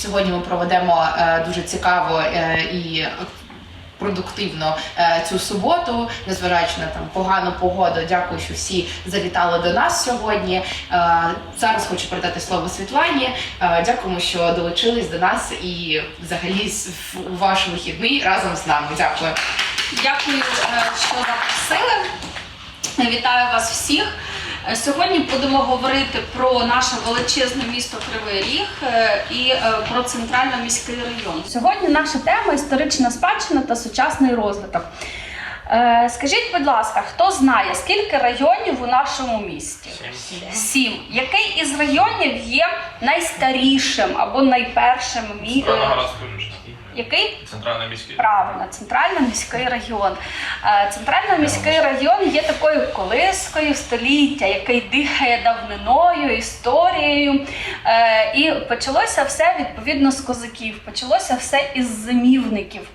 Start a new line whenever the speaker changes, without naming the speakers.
сьогодні ми проведемо дуже цікаво і продуктивно цю суботу, незважаючи на погану погоду. Дякую, що всі завітали до нас сьогодні. Зараз хочу передати слово Світлані. Дякуємо, що долучились до нас і взагалі у ваш вихідний разом з нами. Дякую.
Дякую, що запросили. Вітаю вас всіх. Сьогодні будемо говорити про наше величезне місто Кривий Ріг і про центрально-міський район. Сьогодні наша тема – історична спадщина та сучасний розвиток. Скажіть, будь ласка, хто знає, скільки районів у нашому місті? 7. Який із районів є найстарішим або найпершим містом? Який?
Центрально-міський.
Правильно, центрально-міський район. Центрально-міський район є такою колискою століття, який дихає давниною, історією. І почалося все відповідно з козаків, почалося все із зимівників.